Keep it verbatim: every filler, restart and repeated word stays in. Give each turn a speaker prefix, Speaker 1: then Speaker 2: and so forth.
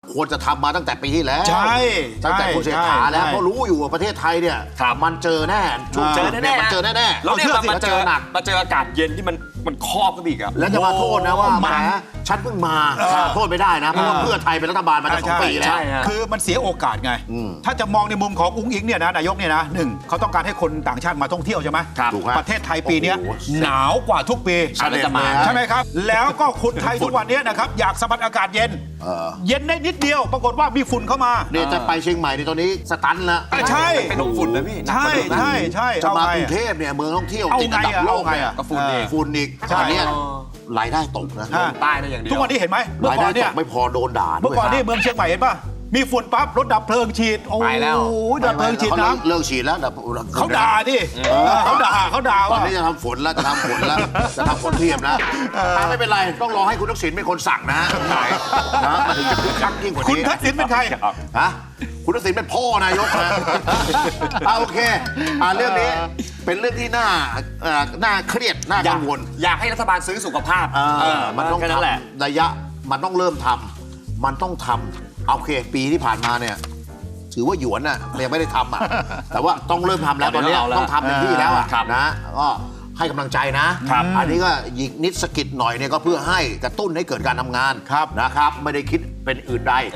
Speaker 1: ควรจะทำมาตั้งแต่ปีที่แล้ว
Speaker 2: ใช่
Speaker 1: ตั้งแต่คุณเศรษฐาแล้ว
Speaker 2: ใช่
Speaker 1: เพราะรู้อยู่ว่าประเทศไทยเนี่ย
Speaker 3: ครับ
Speaker 1: มันเจอแน่ช่วง
Speaker 3: เจอแน่ๆ
Speaker 1: มันเจอแน่ๆ
Speaker 3: แล้วเนี่ย
Speaker 1: ชื่อ
Speaker 3: มา
Speaker 1: สิ
Speaker 3: มาเจอ
Speaker 1: หนัก
Speaker 3: มาเจออากาศเย็นที่มันมันครอบขึ้นอีกอะ
Speaker 1: แล้วจะมาโทษนะว่า
Speaker 2: โอ้
Speaker 1: แหม
Speaker 2: มัน
Speaker 1: ฉันเพิ่งมา
Speaker 2: เออ
Speaker 1: โทษไม่ได้นะ เพราะว่า
Speaker 2: เออ
Speaker 1: เพื่อไทยเป็นรัฐบาลมาตั้งสองปีแล้ว
Speaker 3: ใช่ฮะ
Speaker 2: คือมันเสียโอกาสไง
Speaker 1: อืม
Speaker 2: ถ้าจะมองในมุมของอุ้งอิงเนี่ยนะนายกเนี่ยนะหนึ่งเขาต้องการให้คนต่างชาติมาท่องเที่ยวใช่ไหม
Speaker 3: ครับ
Speaker 1: ถูกฮะ
Speaker 2: ประเทศไทยปีเนี้ย
Speaker 1: โอ้โห
Speaker 2: หนาวกว่าทุกปี
Speaker 3: อันนี้จะมา
Speaker 2: ใช่ไหมครับ แล้วก็คนไทยทุกวันเนี้ยนะครับอยากสัมผัสอากาศเย็น
Speaker 1: เออ
Speaker 2: เย็นได้นิดเดียว ปรากฏว่ามีฝุ่นเข้ามา
Speaker 1: เนี่ยจะไปเชียงใหม่ในตอนนี้สตันแล้ว
Speaker 2: อ่ะใช่
Speaker 3: เป็นลมฝุ่นนะพี่หนัก
Speaker 2: ใช่
Speaker 3: กว่าเดิมนะ
Speaker 2: ใช่ใช่
Speaker 1: จะ
Speaker 2: เอา
Speaker 1: มา
Speaker 2: ไง
Speaker 1: กรุง
Speaker 2: อะ
Speaker 1: เทพเนี่ยเมืองท่องเที่ยว
Speaker 2: เอา
Speaker 1: ติด
Speaker 2: ไง
Speaker 1: อันดับ
Speaker 2: อะ
Speaker 1: โล
Speaker 2: เอา
Speaker 1: ก
Speaker 2: ไง
Speaker 1: เนี่ย
Speaker 2: อะ
Speaker 3: ก็ฝุ่นอีก
Speaker 1: ฝุ่นอีก
Speaker 2: ใช่
Speaker 1: อันเนี้ย
Speaker 3: เออ
Speaker 1: รายได้ตกนะ
Speaker 2: อ่ะ
Speaker 3: ใต้ได้อย่างเดียว
Speaker 2: ทุกวันนี้เห็นไหมเมื่อ
Speaker 1: ราย
Speaker 2: ก่
Speaker 1: ได้
Speaker 2: อนเนี่
Speaker 1: ต
Speaker 2: ย
Speaker 1: กไม่พอโดนด่าด้วย
Speaker 2: เมื่อก่อนนี่
Speaker 1: ครับ
Speaker 2: เมืองเชียงใหม่เห็นป่ะมีฝุ่นปั๊บรถดับเพลิงฉีดโอ้
Speaker 3: ไปแล้ว
Speaker 2: โหดับเพลิงฉีดน้
Speaker 1: เลิกฉีดแล้วดับ
Speaker 2: ำเขาด่าดิเขาด่าเขาด่า
Speaker 1: ตอน
Speaker 2: ว่า
Speaker 1: นี้จะทำฝนแล้วจะทำฝนแล้วจะทำฝนเทียมแล้วอ่ะไม่เป็นไรต้องรอให้คุณทักษิณเป็นคนสั่งนะฮะนะมันถึงจะคึกคักยิ่งกว่า
Speaker 2: คุณ
Speaker 1: นี้
Speaker 2: ทักษิณเป็นใคร
Speaker 1: ฮะคุณทักษิณเป็นพ่อนายกนะอ่ะโอเคอ่ะเรื่องนี้เป็นเรื่องที่น่าเอ่อน่าเครียดน่า
Speaker 3: อยา
Speaker 1: กั
Speaker 3: ก
Speaker 1: งวล
Speaker 3: อยากให้รัฐบาลซื้อสุขภาพ
Speaker 1: เออ
Speaker 3: เออ
Speaker 1: มันต้อง
Speaker 3: แค่นั้นแหละ
Speaker 1: ทำระยะมันต้องเริ่มทำมันต้องทำเอาโอเคปีที่ผ่านมาเนี่ยถือว่าหยวนอ่ะยังไม่ได้ทำอ่ะ แต่ว่าต้องเริ่มทำแล้วตอนเนี้ย
Speaker 3: เอาแล้ว
Speaker 1: ต้องทำเต็มที่แล้วอ่ะ
Speaker 3: ครับ
Speaker 1: นะก็ให้กำลังใจนะครับ อันนี้ก็หยิกนิดสะกิดหน่อยเนี่ยก็เพื่อให้กระตุ้นให้เกิดการทำงาน
Speaker 2: ครับ
Speaker 1: นะครับ ไม่ได้คิดเป็นอื่นใด